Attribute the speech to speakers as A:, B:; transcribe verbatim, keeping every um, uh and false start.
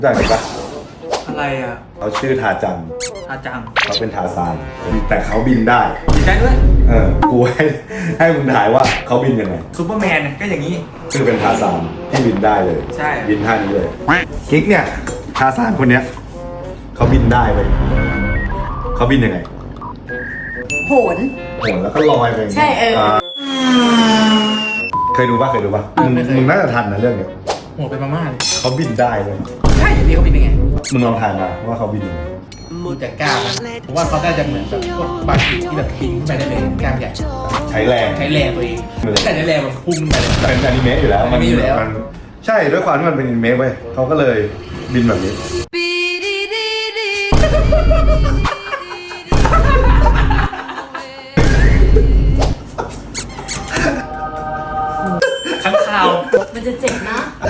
A: ได้ไหมปะ
B: อะไรอ่ะ
A: เขาชื่อทาจัง
B: อาจัง
A: เขาเป็นทาซานแต่เขาบินได้
B: ดีใจด้วย
A: เออกูให้ให้มึงถ่ายว่าเขาบินยังไง
B: ซูเปอร์แมนเนี่ยก็อย่างนี้
A: คือเป็นทาซานที่บินได้เลย
B: ใช่
A: บินท่านี้เลยกิ๊กเนี่ยทาซานคนเนี้ยเขาบินได้เลยเขาบินยังไง
C: โหน
A: โหนแล้วก็ลอยไปย่างงี้ย
C: ใช่เอออ่
A: าเคยดูป่ะเคยดูป่ะมึง
B: ไม่เคย
A: มึงน่าจะทันนะเรื่องเนี้ย
B: โหดเป็นมาม่าเลย
A: เขาบินได้เลย
B: ใช่อย่างนี้เขาเป็นยังไง
A: มึงลองถ่ายมาว่าเขาบินยังไง
B: ดูจากกล้ามนะผมว่าเขาน่าจะเหมือนแบบพวกบาร์บีที่แบบบินขึ้นไปได้เลยกล้ามใหญ่
A: ใช้แรง
B: ใช้แรงตัวเองแต่ใช้แรงมันพุ่งขึ้นไปเลย
A: เป็นอนิเมะอยู่แล้ว
B: อนิเมะอยู่แล้ว
A: มันใช่ด้วยความที่มันเป็นอนิเมะเว้ยเขาก็เลยบินแบบนี้
B: ข้างข่าว
C: มันจะเจ็บนะ